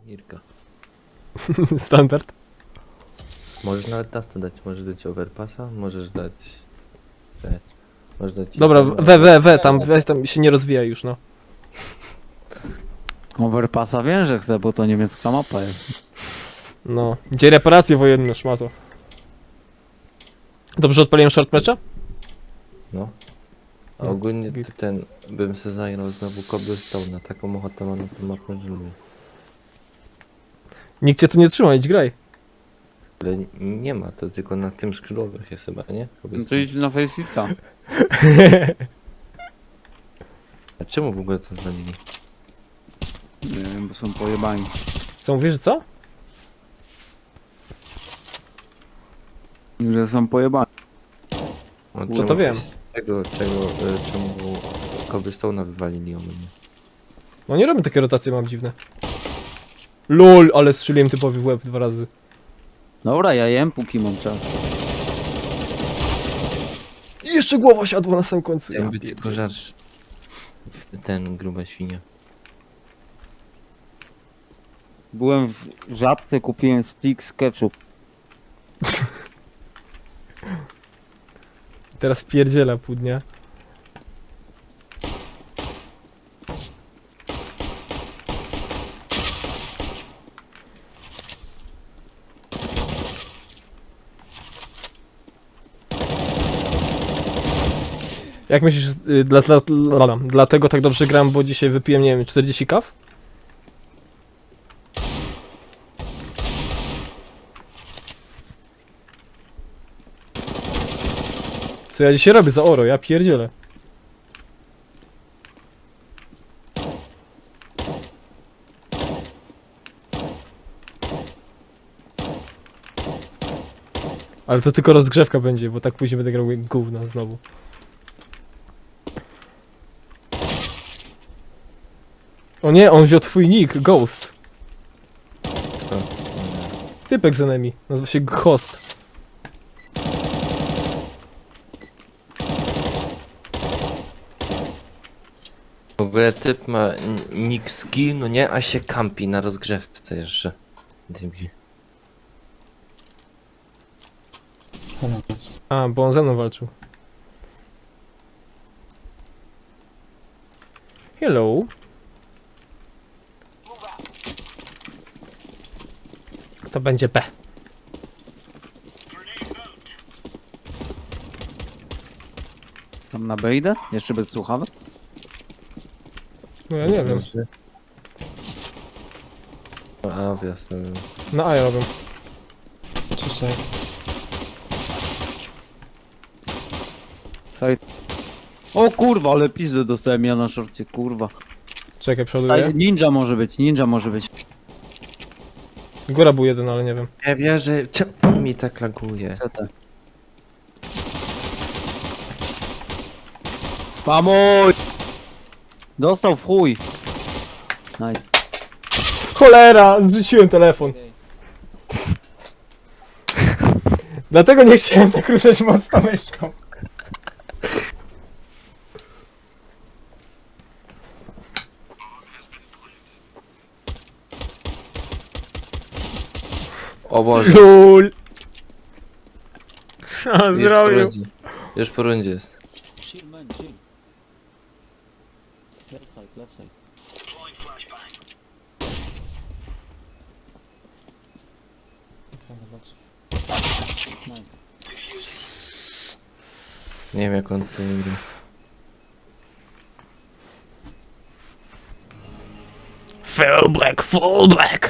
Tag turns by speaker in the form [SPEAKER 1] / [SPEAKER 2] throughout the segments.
[SPEAKER 1] Irka.
[SPEAKER 2] Standard.
[SPEAKER 1] Możesz nawet nas to dać, możesz dać overpassa, możesz dać... Możesz dać...
[SPEAKER 2] Dobra, tam się nie rozwija już, no.
[SPEAKER 3] Overpassa wiem, że chcę, bo to niemiecka mapa jest.
[SPEAKER 2] No. Gdzie reparacje wojenne, szmato. Dobrze odpaliłem short mecza?
[SPEAKER 1] No. A
[SPEAKER 2] No,
[SPEAKER 1] ogólnie
[SPEAKER 2] git.
[SPEAKER 1] to ten... Bym se zagrał znowu Cobblestone, na taką ochotę mam na tę mapę, że lubię.
[SPEAKER 2] Nikt cię tu nie trzyma, idź graj.
[SPEAKER 1] Ale nie ma, to tylko na tym skrzydłowych jest chyba, nie?
[SPEAKER 3] No to
[SPEAKER 1] Cobblestone.
[SPEAKER 3] idź na Faceita.
[SPEAKER 1] A czemu w ogóle to zwalili?
[SPEAKER 3] Nie wiem, bo są pojebani.
[SPEAKER 2] Co mówisz, że co?
[SPEAKER 3] Że są pojebani.
[SPEAKER 1] No,
[SPEAKER 2] to wiem.
[SPEAKER 1] Czemu Cobblestone'a wywalili ogólnie?
[SPEAKER 2] No nie robię takie rotacje, mam dziwne. LOL, ale strzeliłem typowi w łeb 2 razy.
[SPEAKER 3] Dobra, ja jem póki mam czas.
[SPEAKER 2] I jeszcze głowa siadła na samym końcu.
[SPEAKER 1] Chciałem
[SPEAKER 2] Ja
[SPEAKER 1] być tylko żarsz. Ten gruba świnia.
[SPEAKER 3] Byłem w Żabce, kupiłem stick z ketchup.
[SPEAKER 2] Teraz pierdziela pół dnia. Jak myślisz, dlatego tak dobrze gram, bo dzisiaj wypiłem, nie wiem, 40 kaw? Co ja dzisiaj robię za oro? Ja pierdzielę. Ale to tylko rozgrzewka będzie, bo tak później będę grał jak gówno znowu. O nie, on wziął twój nick, Ghost.
[SPEAKER 1] Co?
[SPEAKER 2] Typek z enemy, nazywa się Ghost.
[SPEAKER 1] W ogóle typ ma nick skill, no nie, a się kampi na rozgrzewce jeszcze. Debil.
[SPEAKER 2] A, bo on ze mną walczył. Hello. To będzie P.
[SPEAKER 3] Sam na bejdę? Jeszcze bez słuchawek?
[SPEAKER 2] No ja nie wiem.
[SPEAKER 1] A, wjazd.
[SPEAKER 2] Na A ja robię.
[SPEAKER 3] Side. O kurwa, ale pizdę dostałem ja na szorcie, kurwa.
[SPEAKER 2] Czekaj, przoduję.
[SPEAKER 3] Side. Ninja może być, ninja może być.
[SPEAKER 2] Góra był jeden, ale nie wiem.
[SPEAKER 1] Ja wierzę, czemu mi tak laguje?
[SPEAKER 3] CT. Spamuj! Dostał w chuj. Nice.
[SPEAKER 2] Cholera! Zrzuciłem telefon. Dlatego nie chciałem tak ruszać mocno myszką.
[SPEAKER 1] O Boże,
[SPEAKER 2] LOL! Co
[SPEAKER 1] już po
[SPEAKER 2] zrobił?
[SPEAKER 1] rundzie. Już po rundzie jest.
[SPEAKER 3] Chill man, chill. Left side, left side. Nice.
[SPEAKER 1] Nie wiem jak on to gra.
[SPEAKER 2] Full black!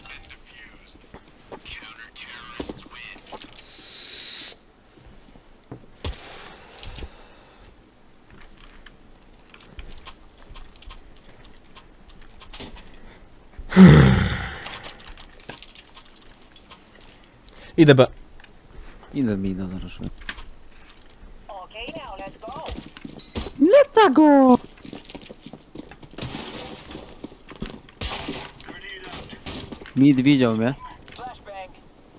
[SPEAKER 2] Idę B.
[SPEAKER 3] Idę mi da zaraz.
[SPEAKER 4] Okay, now let's go.
[SPEAKER 3] Leta go! Mid widział mnie.
[SPEAKER 4] Flashbang.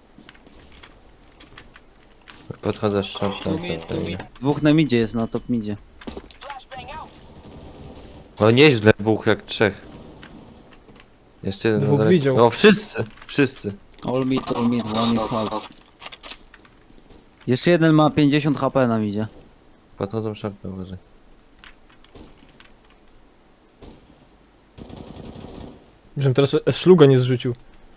[SPEAKER 1] Podchodzę z shorta, to pewnie.
[SPEAKER 3] Dwóch na midzie jest, na top midzie.
[SPEAKER 4] Flashbang out.
[SPEAKER 1] No nieźle, dwóch jak trzech. Jeszcze jeden.
[SPEAKER 2] Dwóch
[SPEAKER 1] dalej.
[SPEAKER 2] widział.
[SPEAKER 1] No wszyscy, wszyscy.
[SPEAKER 3] All mid, one is half. Jeszcze jeden ma 50 HP nam idzie.
[SPEAKER 1] Podchodzą szarpę, uważaj.
[SPEAKER 2] Żebym teraz szluga nie zrzucił.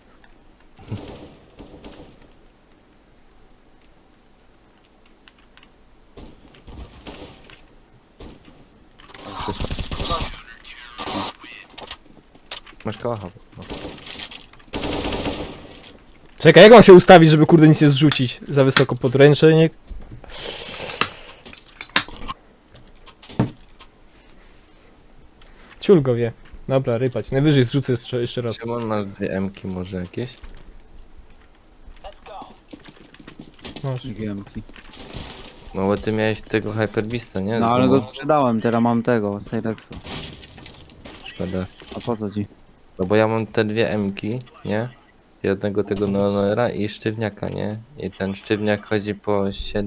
[SPEAKER 1] Masz kałacha. No.
[SPEAKER 2] Czekaj, jak mam się ustawić, żeby kurde nic nie zrzucić? Za wysoko podręcznik. Ciul go wie. Dobra, rypać. Najwyżej zrzucę jeszcze raz.
[SPEAKER 1] Szymon, masz 2 M-ki może jakieś?
[SPEAKER 4] Let's go.
[SPEAKER 2] Masz.
[SPEAKER 3] Giemki.
[SPEAKER 1] No bo ty miałeś tego Hyperbista, nie?
[SPEAKER 3] No ale
[SPEAKER 1] Z
[SPEAKER 3] go
[SPEAKER 1] gumą.
[SPEAKER 3] sprzedałem, teraz mam tego, Cyrexa.
[SPEAKER 1] Szkoda.
[SPEAKER 3] A po co ci?
[SPEAKER 1] No bo ja mam te 2 M-ki, nie? Jednego tego Neonera i sztywniaka, nie? I ten sztywniak chodzi po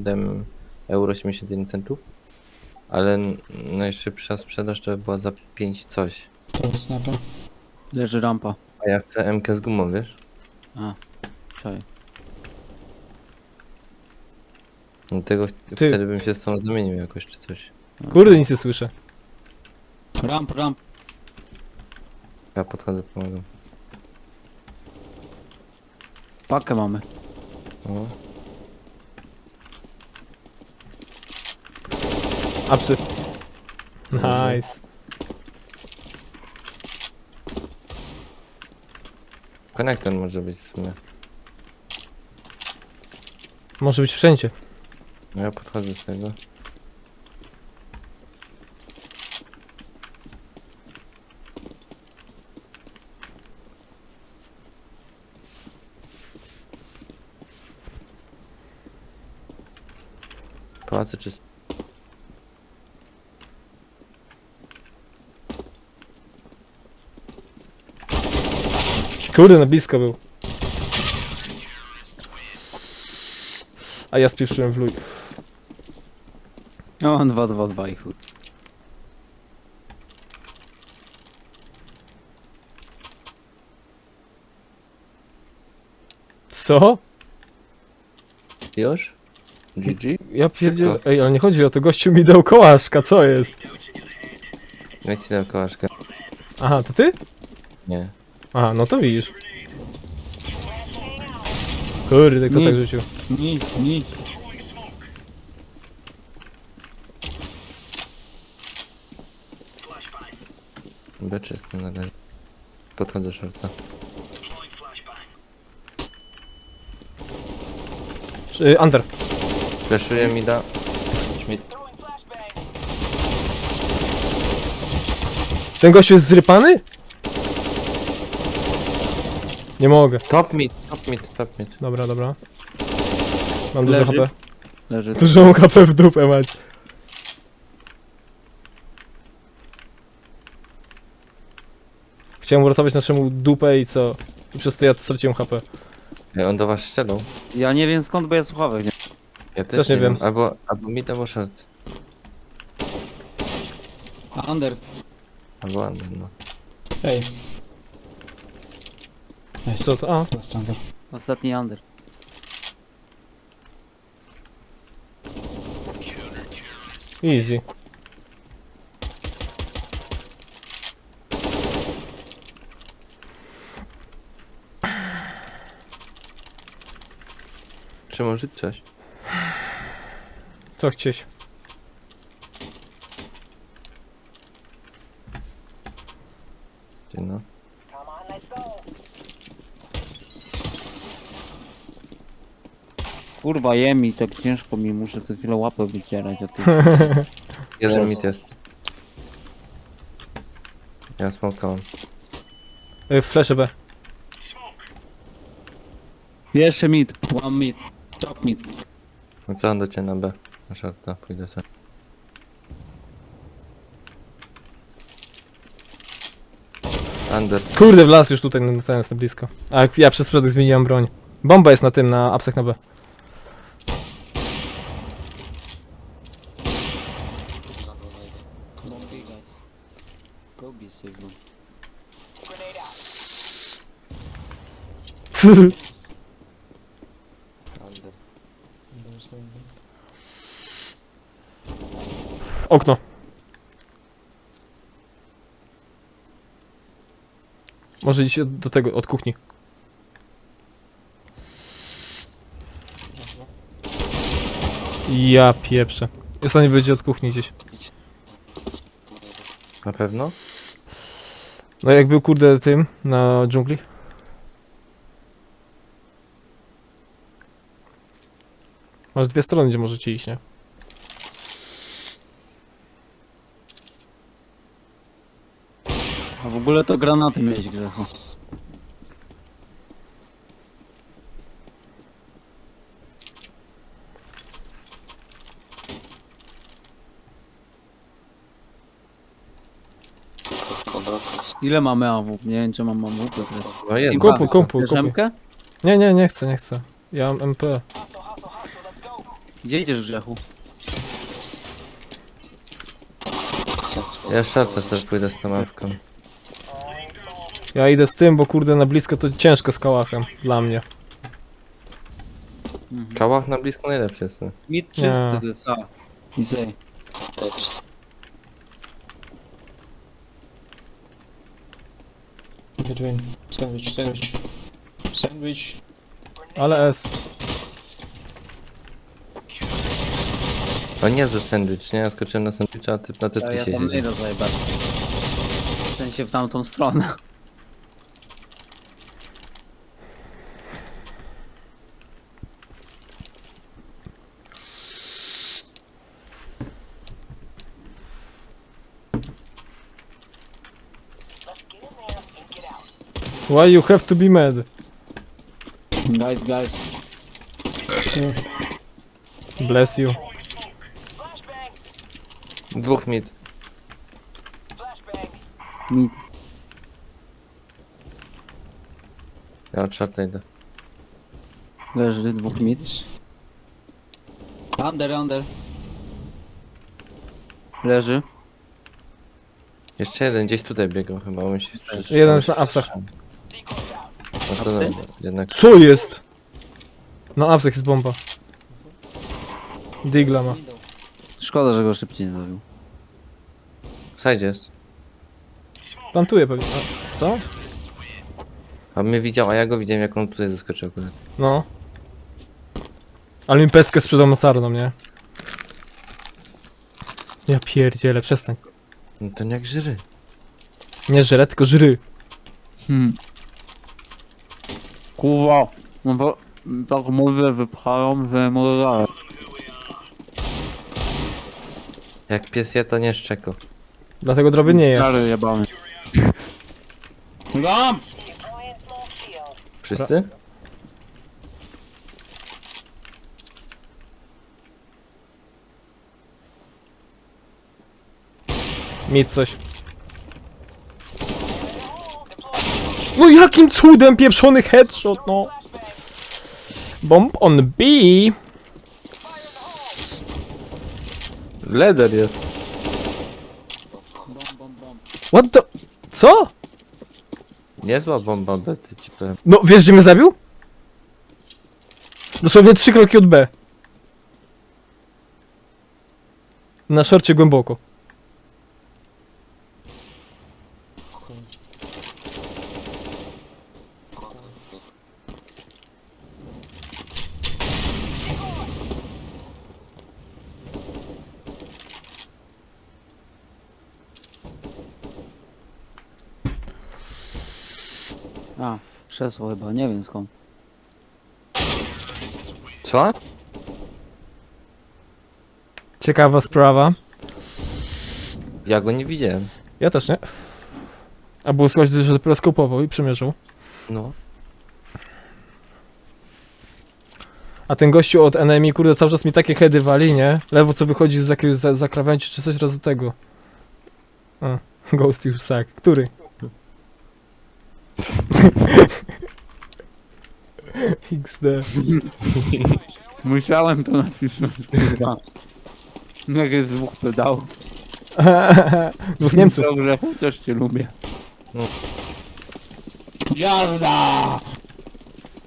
[SPEAKER 1] 7,81 €. Ale najszybsza sprzedaż to była za 5 coś.
[SPEAKER 5] To snapa.
[SPEAKER 3] Leży rampa.
[SPEAKER 1] A ja chcę M-kę z gumą, wiesz?
[SPEAKER 3] Czaj.
[SPEAKER 1] Dlatego wtedy bym się z tą zamienił jakoś czy coś.
[SPEAKER 2] Kurde, nic nie słyszę.
[SPEAKER 3] Ramp.
[SPEAKER 1] Ja podchodzę, pomagam.
[SPEAKER 3] Pakę mamy.
[SPEAKER 1] O.
[SPEAKER 2] Apsy.
[SPEAKER 1] Dobrze.
[SPEAKER 2] Nice.
[SPEAKER 1] Konektor może być w sumie.
[SPEAKER 2] Może być wszędzie.
[SPEAKER 1] No ja podchodzę z tego. Pałacy czy...
[SPEAKER 2] Kurde, na blisko był. A ja spieprzyłem w luj.
[SPEAKER 3] No, 2 i chuj.
[SPEAKER 2] Co?
[SPEAKER 1] Już? GG?
[SPEAKER 2] Ja pierdzielę.
[SPEAKER 1] Szybko.
[SPEAKER 2] Ej, ale nie chodzi o to, gościu mi dał kołaszka, co jest?
[SPEAKER 1] Jak ci dam kołaszkę?
[SPEAKER 2] Aha, to ty?
[SPEAKER 1] Nie.
[SPEAKER 2] Aha, no to widzisz. Kurde, kto
[SPEAKER 3] Nie.
[SPEAKER 2] tak rzucił?
[SPEAKER 3] Nie.
[SPEAKER 1] Beczy jestem na razie. Podchodzę shorta.
[SPEAKER 2] Under.
[SPEAKER 1] Fleszuję mi da. Śmieć.
[SPEAKER 4] Throwing flashbang.
[SPEAKER 2] Ten gościu jest zrypany? Nie mogę.
[SPEAKER 1] Top mid.
[SPEAKER 2] Dobra, dobra. Mam dużo
[SPEAKER 3] Leży.
[SPEAKER 2] HP.
[SPEAKER 3] Leży.
[SPEAKER 2] Dużą HP w dupę mać. Chciałem uratować naszemu dupę i co? I przez to ja straciłem HP.
[SPEAKER 1] Ej, on do was strzelał.
[SPEAKER 3] Ja nie wiem skąd, bo ja słuchawek nie.
[SPEAKER 1] Ja
[SPEAKER 2] Też nie wiem.
[SPEAKER 1] Albo mid, albo short.
[SPEAKER 3] Under.
[SPEAKER 1] Albo under, no.
[SPEAKER 5] Ej. Nice.
[SPEAKER 2] Co to? A,
[SPEAKER 5] To jest standard.
[SPEAKER 3] Ostatni under.
[SPEAKER 2] easy.
[SPEAKER 1] Czy może coś?
[SPEAKER 2] Co chcieć?
[SPEAKER 1] Ty no.
[SPEAKER 4] Come on, let's go.
[SPEAKER 3] Kurwa, jem i tak ciężko mi, muszę co chwilę łapę wycierać od tych.
[SPEAKER 1] Jeden
[SPEAKER 3] Przez-
[SPEAKER 1] mid jest. Ja smokałem.
[SPEAKER 2] Flash B.
[SPEAKER 3] Jeszcze mid. One mid. Top mid.
[SPEAKER 1] No co on do ciebie na B? Na shorta, pójdę sobie. Under.
[SPEAKER 2] Kurde, wlazł już tutaj, no ten jest na blisko. A ja przez przypadek zmieniłem broń. Bomba jest na tym, na apsach na B.
[SPEAKER 3] Go be safe, no.
[SPEAKER 4] Grenade out.
[SPEAKER 2] Okno. Może iść do tego, od kuchni. Ja pieprzę. Jest nie będzie od kuchni gdzieś.
[SPEAKER 1] Na pewno?
[SPEAKER 2] No jak był kurde tym na dżungli. Masz dwie strony, gdzie możecie iść, nie?
[SPEAKER 3] A w ogóle to granaty mieć, Grzechu. Ile mamy AW? Nie wiem, czy mam AW, Piotr.
[SPEAKER 1] No jedno.
[SPEAKER 2] Kupuj, kupuj,
[SPEAKER 3] Chcesz
[SPEAKER 2] kupuj.
[SPEAKER 3] M-kę?
[SPEAKER 2] Nie, nie chcę, nie chcę. Ja mam MP.
[SPEAKER 3] Gdzie idziesz, Grzechu?
[SPEAKER 1] Ja szarpę sobie pójdę z tą mawką.
[SPEAKER 2] Ja idę z tym, bo kurde na blisko to ciężko z kałachem. Dla mnie.
[SPEAKER 1] Kałach na blisko najlepszy jest.
[SPEAKER 3] Mid czysty
[SPEAKER 2] Nie.
[SPEAKER 3] to jest A. I Z.
[SPEAKER 5] Between. Sandwich, sandwich. Sandwich.
[SPEAKER 2] Ale S.
[SPEAKER 1] To niezły sandwich, nie? Ja skoczyłem na sandwicha, a typ na
[SPEAKER 3] Ja
[SPEAKER 1] tetkisie
[SPEAKER 3] tam
[SPEAKER 1] siedzi.
[SPEAKER 3] idę zajebać. W sensie w tamtą stronę.
[SPEAKER 4] Let's get in there and get out.
[SPEAKER 2] Why you have to be mad?
[SPEAKER 3] Guys, guys.
[SPEAKER 2] Bless you.
[SPEAKER 4] Flashbang!
[SPEAKER 1] Dwóch mid.
[SPEAKER 4] Flashbang!
[SPEAKER 3] Mid.
[SPEAKER 1] Ja od szarta idę.
[SPEAKER 3] Leży dwóch mid. Under. Leży.
[SPEAKER 1] Jeszcze jeden gdzieś tutaj biegał chyba, on się przecież...
[SPEAKER 2] Jeden jest na apsach.
[SPEAKER 1] No to
[SPEAKER 3] Apsy?
[SPEAKER 1] dobra, jednak.
[SPEAKER 2] Co jest? Na apsach jest bomba. Digla ma.
[SPEAKER 3] Szkoda, że go szybciej nie zabił.
[SPEAKER 1] W sajdzie jest.
[SPEAKER 2] Plantuje pewnie. A, co?
[SPEAKER 1] A mnie widział, a ja go widziałem jak on tutaj zaskoczył akurat.
[SPEAKER 2] No. Ale mi pestkę sprzedał mocarną, nie? Ja pierdzielę, przestań.
[SPEAKER 1] No to jak żyry.
[SPEAKER 2] Nie żre, tylko żry.
[SPEAKER 3] Kurwa. No bo tak mówię, wypchają, że może dalej.
[SPEAKER 1] Jak pies je, to nie szczeko.
[SPEAKER 2] Dlatego droby nie je.
[SPEAKER 3] Stary jebany. Lam!
[SPEAKER 4] Deploying smoke shield.
[SPEAKER 1] Wszyscy?
[SPEAKER 2] Mieć coś. No jakim cudem pieprzony headshot, no. Bomb on B.
[SPEAKER 1] Leder jest.
[SPEAKER 2] What the... Co?
[SPEAKER 1] Niezła bomba, bety ci powiem.
[SPEAKER 2] No, wiesz gdzie mnie zabił? Dosłownie 3 kroki od B. Na szorcie głęboko.
[SPEAKER 3] A, krzesło chyba, nie wiem skąd.
[SPEAKER 1] Co?
[SPEAKER 2] Ciekawa sprawa.
[SPEAKER 1] Ja go nie widziałem.
[SPEAKER 2] Ja też nie. A było słychać, że dopiero skopował i przymierzył.
[SPEAKER 1] No.
[SPEAKER 2] A ten gościu od enemy, kurde, cały czas mi takie heady wali, nie? Lewo co wychodzi z jakiegoś zakrawędzi czy coś, raz do tego. A, Ghost już sak. Który? XD.
[SPEAKER 3] Musiałem to napisać, kurwa. Jak jest dwóch pedałów.
[SPEAKER 2] Dwóch Niemców.
[SPEAKER 3] Dobrze, też cię lubię.
[SPEAKER 1] No.
[SPEAKER 3] Jazda!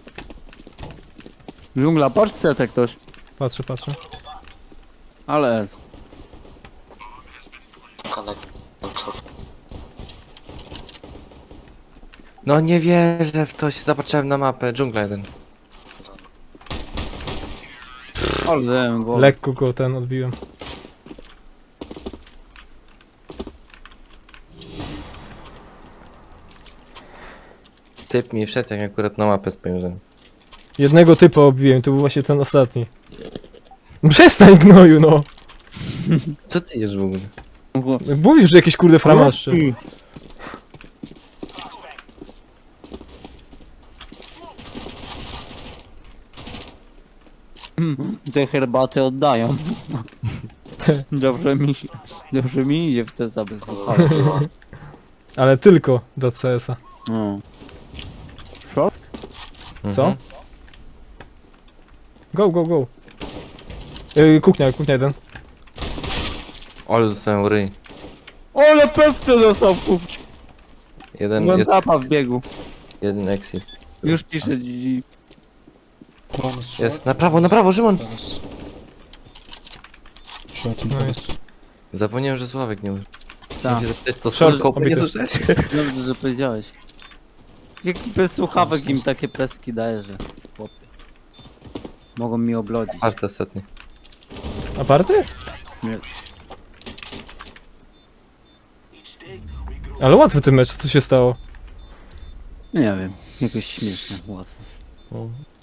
[SPEAKER 3] Dżungla, patrz CT ktoś.
[SPEAKER 2] Patrzę, patrzę.
[SPEAKER 3] Ale jest.
[SPEAKER 1] No nie wierzę w to, się zobaczyłem na mapę. Dżungla jeden.
[SPEAKER 3] Ale dałem go.
[SPEAKER 2] Lekko go ten odbiłem.
[SPEAKER 1] Typ mi wszedł, jak akurat na mapę spojrzałem.
[SPEAKER 2] Jednego typa odbiłem, to był właśnie ten ostatni. Przestań gnoju, no!
[SPEAKER 1] Co ty jesz w ogóle?
[SPEAKER 2] Mówisz, że jakieś kurde framaszcze.
[SPEAKER 3] Te herbaty oddają. Dobrze mi idzie w te zabezpieczenie.
[SPEAKER 2] Ale tylko do CS-a.
[SPEAKER 3] No.
[SPEAKER 2] Co?
[SPEAKER 1] Mhm.
[SPEAKER 2] Go, go, go. Kuchnia, kuchnia jeden.
[SPEAKER 1] Ale dostałem ryj.
[SPEAKER 3] Ole peskę dostał w kuchni.
[SPEAKER 1] Jeden
[SPEAKER 3] Byłem
[SPEAKER 1] jest,
[SPEAKER 3] tapa w biegu.
[SPEAKER 1] jeden exit.
[SPEAKER 3] Już pisze GG.
[SPEAKER 5] One is short.
[SPEAKER 1] Jest, na prawo, Szymon!
[SPEAKER 5] One is short in
[SPEAKER 2] No
[SPEAKER 5] front.
[SPEAKER 2] jest.
[SPEAKER 1] Zapomniałem, że Sławek nie użył.
[SPEAKER 3] Tak.
[SPEAKER 1] Chciałem się zapytać, co
[SPEAKER 2] Short,
[SPEAKER 1] z kopy nie
[SPEAKER 2] obity.
[SPEAKER 1] słyszeć?
[SPEAKER 3] Dobrze, że powiedziałeś. Jak bez słuchawek im takie peski daje, że chłopie. Mogą mi oblodzić.
[SPEAKER 1] Party ostatni.
[SPEAKER 2] Aparty?
[SPEAKER 3] Nie.
[SPEAKER 2] Ale łatwy ten mecz, co się stało?
[SPEAKER 3] Nie wiem, jakoś śmieszne, łatwo.
[SPEAKER 2] O,